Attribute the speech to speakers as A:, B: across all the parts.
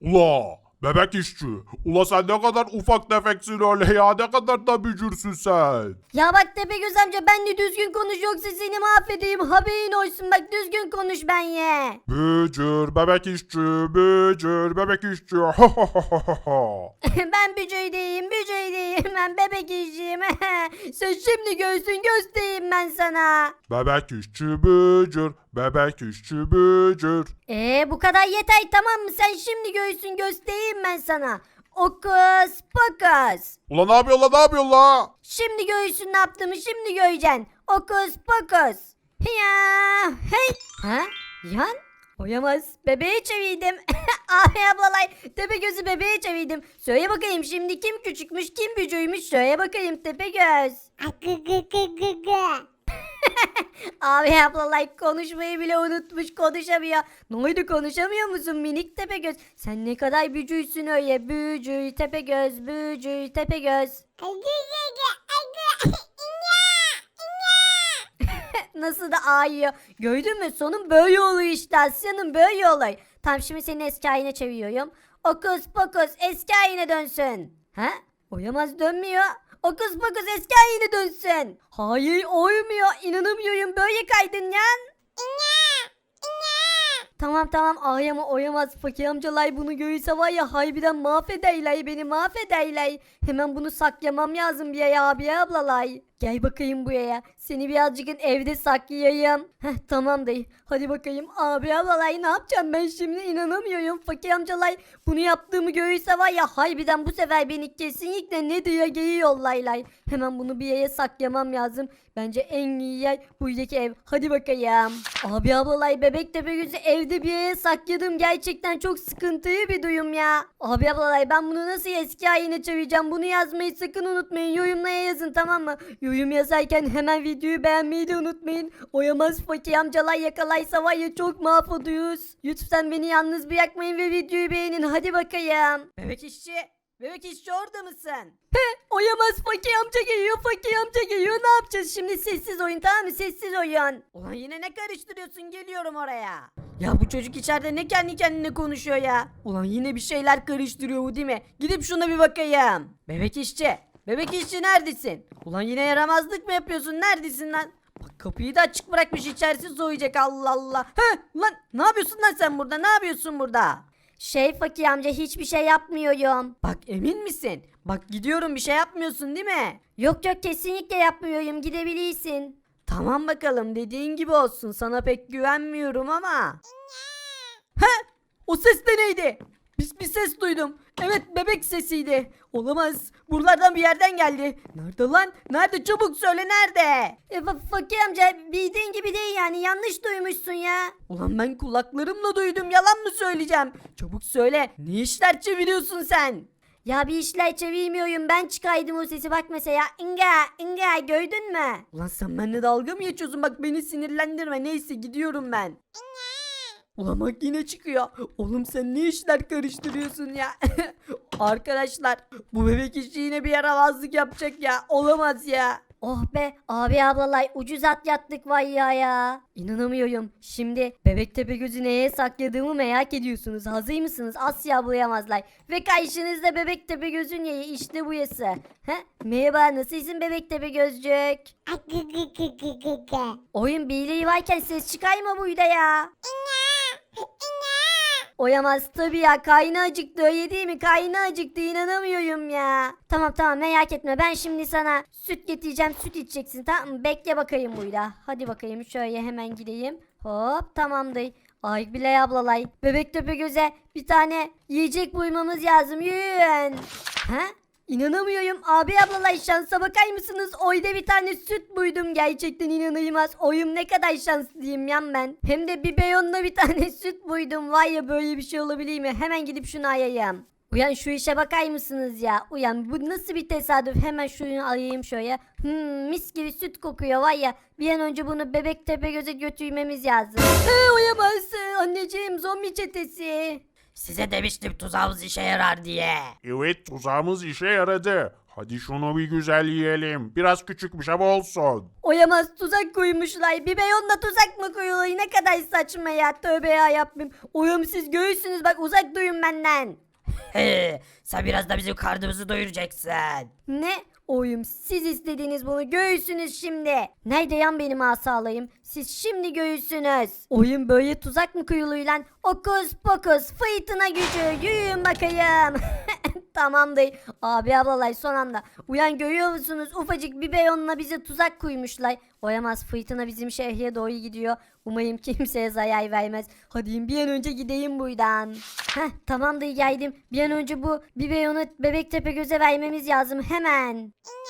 A: Ula bebek işçi. Ula sen ne kadar ufak tefeksin öyle ya. Ne kadar da bücürsün sen.
B: Ya bak Tepegöz amca ben de düzgün konuş yoksa seni mahvedeyim haberin olsun bak düzgün konuş ben ye.
A: Bücür bebek işçi. Bücür bebek işçi.
B: Ben bücüydeyim ben bebek işçiyim. Sen şimdi göğsün göstereyim ben sana.
A: Bebek işçi bücür. Bebek işçi bücür.
B: Bu kadar yeter tamam mı sen şimdi göğsün göstereyim ben sana. Okus pokus.
A: Ula ne yapıyor la ne yapıyor la?
B: Şimdi göğsün ne yaptığımı şimdi göreceksin. Okus pokus. Ya hey. Ha? Yan? Oyamaz. Bebeğe çevirdim. Abi ablalay. Tepegöz'ü bebeğe çevirdim. Söyle bakayım şimdi kim küçükmüş kim bücüymüş. Söyle bakayım Tepegöz. Abi ablalay konuşmayı bile unutmuş konuşamıyor. Ne oldu konuşamıyor musun minik Tepegöz? Sen ne kadar bücüysün öyle. Bücü Tepegöz bücü Tepegöz. Nasıl da ağlıyor. Gördün mü? Sonun böyle oluyor işte Asya'nın böyle oluyor. Tam şimdi seni eski haline çeviriyorum. Okus pokus eski haline dönsün. Ha? Oyamaz dönmüyor. Okus pokus eski haline dönsün. Hayır olmuyor. İnanamıyorum böyle kaydın yan. Tamam ağlama oyamaz fakir amcalar bunu görürse var ya harbiden mahvederler beni mahvederler. Hemen bunu saklamam lazım bir ya abi ablalay. Gel bakayım buraya seni birazcık evde saklayayım. Tamam dayı hadi bakayım abi ablalay ne yapacağım ben şimdi inanamıyorum fakir amcalar. Bunu yaptığımı görürse var ya harbiden bu sefer beni kesinlikle ne diye geri yollaylar. Hemen bunu bir yere saklamam lazım. Bence en iyi yer buradaki ev. Hadi bakayım. Abi ablalay bebek Tepegöz'ü evde bir yere sakladım. Gerçekten çok sıkıntılı bir duyum ya. Abi ablalay ben bunu nasıl eski haline çevireceğim? Bunu yazmayı sakın unutmayın. Yorumlara yazın tamam mı? Yorum yazarken hemen videoyu beğenmeyi de unutmayın. Oyamaz fakir amcalar yakalaysa var ya çok mahvoluruz. Lütfen beni yalnız bırakmayın ve videoyu beğenin. Hadi bakayım. Bebek işçi. Bebek işçi orada mısın? Oyamaz fakir amca geliyor fakir amca geliyor ne yapacağız şimdi sessiz oyun tamam mı sessiz oyun. Ulan yine ne karıştırıyorsun geliyorum oraya. Ya bu çocuk içeride ne kendi kendine konuşuyor ya. Ulan yine bir şeyler karıştırıyor bu değil mi? Gidip şuna bir bakayım. Bebek işçi. Bebek işçi neredesin? Ulan yine yaramazlık mı yapıyorsun neredesin lan? Bak kapıyı da açık bırakmış içerisi soğuyacak Allah Allah. Lan ne yapıyorsun lan sen burada ne yapıyorsun burada? Fakir amca hiçbir şey yapmıyorum. Bak emin misin? Bak gidiyorum bir şey yapmıyorsun değil mi? Yok kesinlikle yapmıyorum gidebilirsin. Tamam bakalım dediğin gibi olsun sana pek güvenmiyorum ama. O ses de neydi? Bir ses duydum. Evet bebek sesiydi. Olamaz. Buralardan bir yerden geldi. Nerede lan? Nerede? Çabuk söyle nerede? Fakir amca bildiğin gibi değil yani yanlış duymuşsun ya. Ulan ben kulaklarımla duydum yalan mı söyleyeceğim? Çabuk söyle. Ne işler çeviriyorsun sen? Ya bir işler çevirmiyorum ben çıkaydım o sesi bak mesela inga gördün mü? Ulan sen benimle dalga mı geçiyorsun bak beni sinirlendirme neyse gidiyorum ben. Ulan bak yine çıkıyor. Oğlum sen ne işler karıştırıyorsun ya? Arkadaşlar bu bebek işi yine bir yaramazlık yapacak ya. Olamaz ya. Oh be abi ablalay ucuz atlattık vay ya. İnanamıyorum. Şimdi bebek Tepegöz'ü neye sakladığımı merak ediyorsunuz. Hazır mısınız? Asya bulayamazlar. Ve karşınızda bebek Tepegöz'ün yeri işte bu yası. Merhaba nasılsın bebek Tepegözcük? Oyun birliği varken ses çıkarma buyda ya. Oyamaz tabii ya karnı acıktı öyle değil mi karnı acıktı inanamıyorum ya. Tamam merak etme ben şimdi sana süt getireceğim süt içeceksin tamam mı bekle bakayım burada. Hadi bakayım şöyle hemen gideyim hop tamamdır. Ay bile ablalay bebek Tepegöz'e bir tane yiyecek bulmamız lazım yürüyün. İnanamıyorum abi ablalar şansa bakar mısınız? Oyda bir tane süt buydum gerçekten inanılmaz. Oyum ne kadar şanslıyım yan ben. Hem de bir beyonla bir tane süt buydum. Vay ya böyle bir şey olabilir mi? Hemen gidip şunu ayayım. Uyan şu işe bakar mısınız ya? Uyan bu nasıl bir tesadüf? Hemen şunu alayım şöyle. Mis gibi süt kokuyor var ya. Bir an önce bunu bebek Tepegöz'e götürmemiz lazım. Uyamaz anneciğim zombi çetesi.
C: Size demiştim tuzağımız işe yarar diye.
A: Evet tuzağımız işe yaradı. Hadi şunu bir güzel yiyelim. Biraz küçükmüş ama olsun.
B: Oyamaz tuzak koymuşlar. Bir beyonla tuzak mı koyuluyor? Ne kadar saçma ya. Tövbe ya yapmayayım. Oyum siz göğüsünüz bak uzak duyun benden.
C: He, sen biraz da bizim karnımızı doyuracaksın.
B: Ne? Oyum siz istediğiniz bunu göğüsünüz şimdi. Nerede yan benim asalayım? Siz şimdi göğüsünüz. Oyun böyle tuzak mı koyuluyor lan? Okus pokus fırtına gücü yürüyün bakayım. Tamamdır. Abi ablalay son anda. Uyan görüyor musunuz? Ufacık bir beyonla bize tuzak koymuşlar. Oyamaz fırtına bizim şehre doğru gidiyor. Umarım kimseye zarar vermez. Hadi bir an önce gideyim buradan. Heh tamamdır geldim. Bir an önce bu bir beyonu Bebektepe göze vermemiz lazım hemen.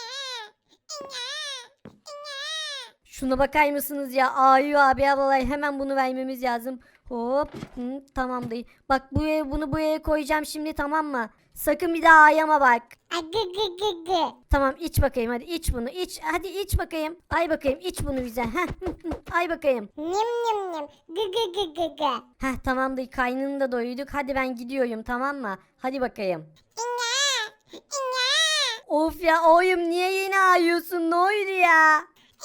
B: Şuna bakar mısınız ya? Ayu abi ablalay hemen bunu vermemiz lazım. Hop. Tamamdır. Bak bunu buraya koyacağım şimdi tamam mı? Sakın bir daha ayama bak. Tamam iç bakayım hadi iç bunu iç. Hadi iç bakayım. Ay bakayım iç bunu bize. Heh. Ay bakayım. Heh tamamdır kaynını da doyduk. Hadi ben gidiyorum tamam mı? Hadi bakayım. Of ya oğlum niye yine ağlıyorsun ne oldu ya?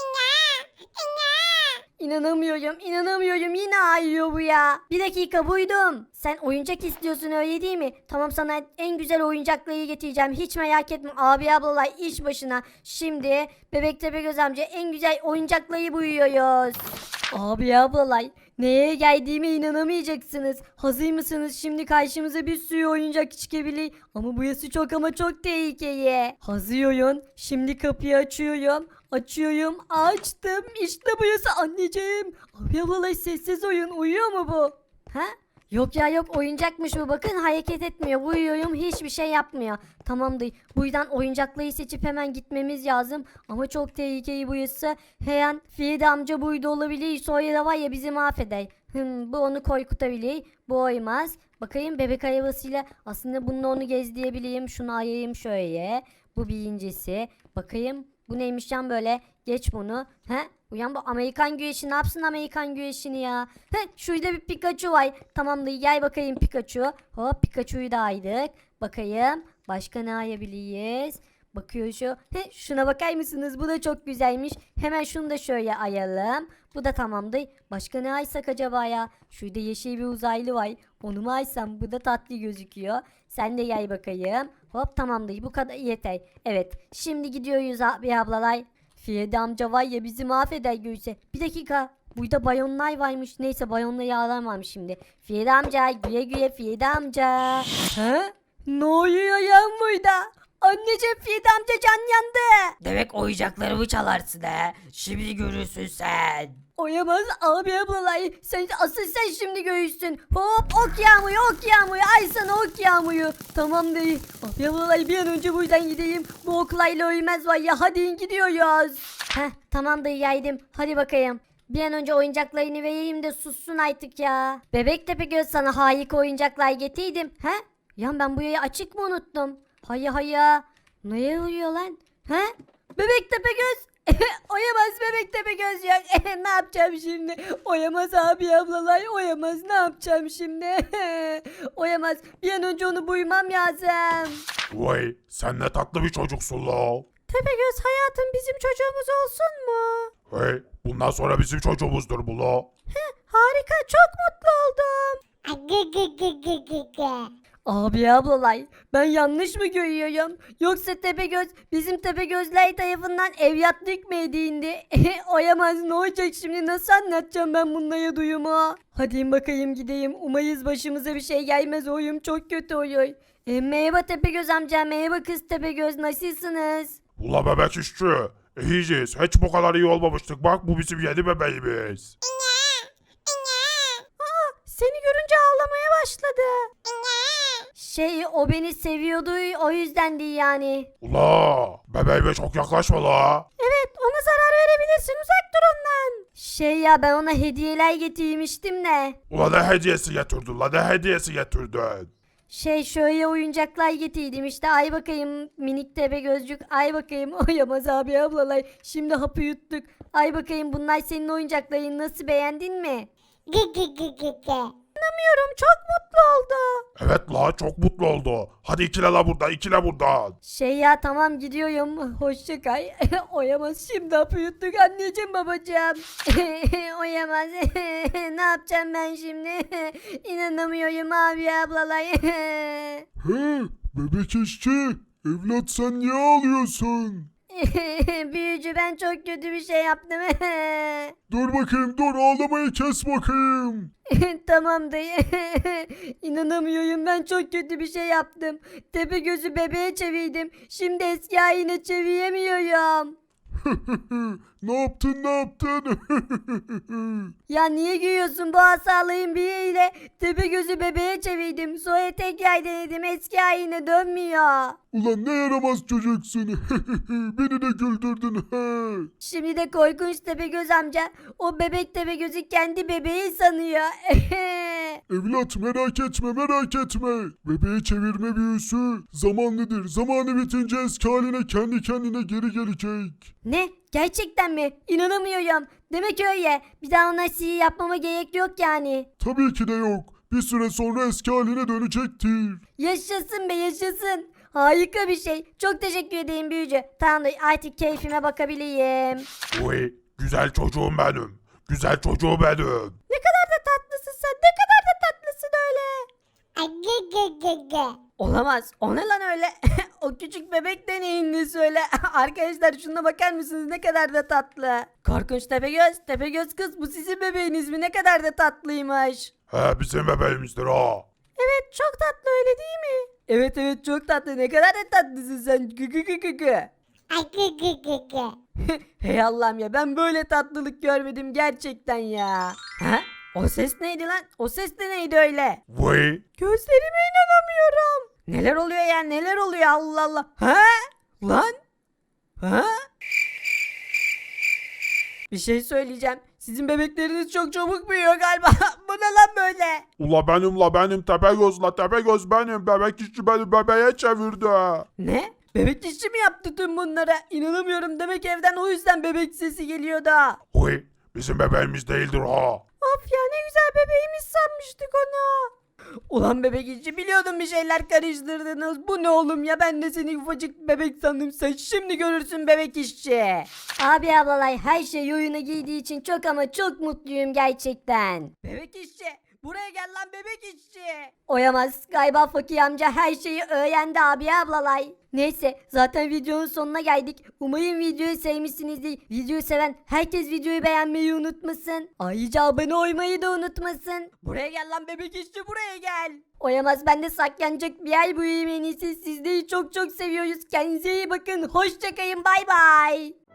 B: İnanamıyorum yine ağlıyor bu ya. Bir dakika buydum. Sen oyuncak istiyorsun öyle değil mi? Tamam sana en güzel oyuncakları getireceğim. Hiç merak etme abi ablalar iş başına. Şimdi Bebektepe Göz amca en güzel oyuncakları buyuruyoruz. Abi ablalar neye geldiğime inanamayacaksınız. Hazır mısınız? Şimdi karşımıza bir sürü oyuncak çıkabilir. Ama burası çok ama çok tehlikeli. Hazır oyun. Şimdi kapıyı açıyorum. Açıyorum. Açtım. İşte burası anneciğim. Abi ablalar sessiz oyun. Uyuyor mu bu? Ha? Yok ya yok oyuncakmış bu bakın hareket etmiyor uyuyorum hiçbir şey yapmıyor. Tamamdır buradan oyuncakları seçip hemen gitmemiz lazım ama çok tehlikeli burası. Her an Feride amca burada olabilir sonra da var ya bizi mahveder. Bu onu korkutabilir bu oymaz. Bakayım bebek arabasıyla aslında bununla onu gezdirebileyim şunu ayayım şöyle. Bu birincisi bakayım bu neymiş yan böyle geç bunu. Uyan bu Amerikan güreşi ne yapsın Amerikan güreşini ya. Şurada bir Pikachu var. Tamamdır gel bakayım Pikachu. Hop Pikachu'yu da aydık. Bakayım başka ne ayabiliriz. Bakıyor şu. Şuna bakar mısınız? Bu da çok güzelmiş. Hemen şunu da şöyle ayalım. Bu da tamamdır. Başka ne aysak acaba ya? Şurada yeşil bir uzaylı var. Onu mu aysam? Bu da tatlı gözüküyor. Sen de gel bakayım. Hop tamamdır. Bu kadar yeter. Evet. Şimdi gidiyoruz abi ablalar. Feride amca var ya bizi mahveder görse. Bir dakika. Burada bayonlar varmış. Neyse bayonla yağlar varmış şimdi. Feride amca güye güye Feride amca. Ne oluyor ya burada? Anneciğim Feride amca can yandı.
C: Demek oyuncaklarımı çalarsın he. Şimdi görürsün sen.
B: Oyamaz abi ablalay. Sen şimdi göğüsün. Hop ok yağmıyor. Ay sana ok yağmıyor. Tamam değil. Abi ablalay bir an önce buradan gideyim. Bu oklayla ölmez var ya hadi gidiyoruz. Tamam da yaydım. Hadi bakayım. Bir an önce oyuncaklarını vereyim de sussun artık ya. Bebektepe Göz sana harika oyuncaklar getirdim. Ya ben bu yayı açık mı unuttum? Hayya. Neye uyuyor lan? Bebektepe Göz. Oyamaz Bebektepe Göz yok. Ne yapacağım şimdi? Oyamaz abi ablalar. Oyamaz ne yapacağım şimdi? Oyamaz. Bir an önce onu buymam lazım.
A: Vay sen ne tatlı bir çocuksun la.
B: Tepegöz hayatım bizim çocuğumuz olsun mu?
A: Hey bundan sonra bizim çocuğumuzdur bu la.
B: Harika çok mutlu oldum. Abi ablalay ben yanlış mı görüyorum? Yoksa Tepegöz bizim Tepegözler tarafından evlatlık mı edindi? Oyamaz ne olacak şimdi nasıl anlatacağım ben bunlara duyumu? Hadi bakayım gideyim umayız başımıza bir şey gelmez oyum çok kötü oluyor. Merhaba Tepegöz amca merhaba kız Tepegöz nasılsınız?
A: Ula bebek işçi. İyiyiz. Hiç bu kadar iyi olmamıştık. Bak bu bizim yeni bebeğimiz.
B: Seni görünce ağlamaya başladı. O beni seviyordu o yüzden değil yani.
A: Ula bebeğime çok yaklaşma la.
B: Evet ona zarar verebilirsin uzak dur ondan. Ben ona hediyeler getirmiştim de.
A: Ula ne hediyesi getirdin la ne hediyesi getirdin?
B: Şöyle oyuncaklar getirdim işte ay bakayım minik tepe gözcük ay bakayım oyamaz abi ablalar şimdi hapı yuttuk ay bakayım bunlar senin oyuncakların nasıl beğendin mi? İnanamıyorum, çok mutlu oldu.
A: Evet la çok mutlu oldu. Hadi ikile la burada ikile buradan.
B: Şey ya, tamam gidiyorum. Hoşça kal. Oyamaz, şimdi hapı yuttuk anneciğim babacığım. Oyamaz. Ne yapacağım ben şimdi? İnanamıyorum abi ablalar.
A: He bebek işçi evlat sen niye ağlıyorsun?
B: Büyücü, ben çok kötü bir şey yaptım.
A: Dur bakayım dur ağlamayı kes bakayım.
B: Tamam dayı. İnanamıyorum, ben çok kötü bir şey yaptım. Tepegöz'ü bebeğe çevirdim. Şimdi eski haline çeviremiyorum.
A: Ne yaptın ne yaptın?
B: Ya niye gülüyorsun, bu hastalığın biriyle Tepegöz'ü bebeğe çevirdim. Sonra tekrar denedim, eski haline dönmüyor.
A: Ulan ne yaramaz çocuksun. Beni de güldürdün. He.
B: Şimdi de korkunç Tepegöz amca o bebek Tepegöz'ü kendi bebeği sanıyor.
A: Evlat merak etme merak etme. Bebeği çevirme büyüsü zamanlıdır. Zamanı bitince eski haline kendi kendine geri gelecek.
B: Ne? Gerçekten mi? İnanamıyorum. Demek öyle. Bir daha ona sihir yapmama gerek yok yani.
A: Tabii ki de yok. Bir süre sonra eski haline dönecektir.
B: Yaşasın be, yaşasın. Harika bir şey. Çok teşekkür ederim büyücü. Tamamdır, artık keyfime bakabilirim.
A: Uy, güzel çocuğum benim. Güzel çocuğum benim.
B: Ne kadar da tatlısın sen. Ne kadar da tatlısın öyle. Olamaz. O ne lan öyle? O küçük bebek de neyin nesi öyle? Arkadaşlar şuna bakar mısınız? Ne kadar da tatlı. Korkunç Tepegöz. Tepegöz kız, bu sizin bebeğiniz mi? Ne kadar da tatlıymış.
A: He bizim bebeğimizdir ha.
B: Evet, çok tatlı, öyle değil mi? Evet evet, çok tatlı. Ne kadar da tatlısın sen. Gı gı gı gı gı. Hey Allah'ım ya, ben böyle tatlılık görmedim gerçekten ya. Ha? O ses neydi lan? O ses de neydi öyle?
A: Uy,
B: Gözlerime inanamıyorum. Neler oluyor ya, neler oluyor, Allah Allah. Ha? Lan? Ha? Bir şey söyleyeceğim. Sizin bebekleriniz çok çabuk büyüyor galiba. Bu ne lan böyle?
A: ula benim Tepegöz la Tepegöz benim. Bebek işçi beni bebeğe çevirdi.
B: Ne? Bebek işçi mi yaptı tüm bunlara? İnanamıyorum. Demek evden o yüzden bebek sesi geliyor da.
A: Uy, bizim bebeğimiz değildir ha.
B: Of ya, ne güzel bebeğimiz sanmıştık onu. Ulan bebek işçi, biliyordum bir şeyler karıştırdınız. Bu ne oğlum ya, ben de seni ufacık bebek sandım. Sen şimdi görürsün bebek işçi. Abi ablalay, her şey yoluna girdiği için çok ama çok mutluyum gerçekten. Bebek işçi, buraya gel lan bebek işçi. Oyamaz, galiba Fakir amca her şeyi öğrendi abi ablalay. Neyse, zaten videonun sonuna geldik. Umarım videoyu sevmişsinizdir. Videoyu seven herkes videoyu beğenmeyi unutmasın. Ayrıca abone olmayı da unutmasın. Buraya gel lan bebek işçi, buraya gel. Oyamaz, ben de saklanacak bir yer bulayım en iyisi. Sizleri çok çok seviyoruz. Kendinize iyi bakın. Hoşçakalın, bay bay.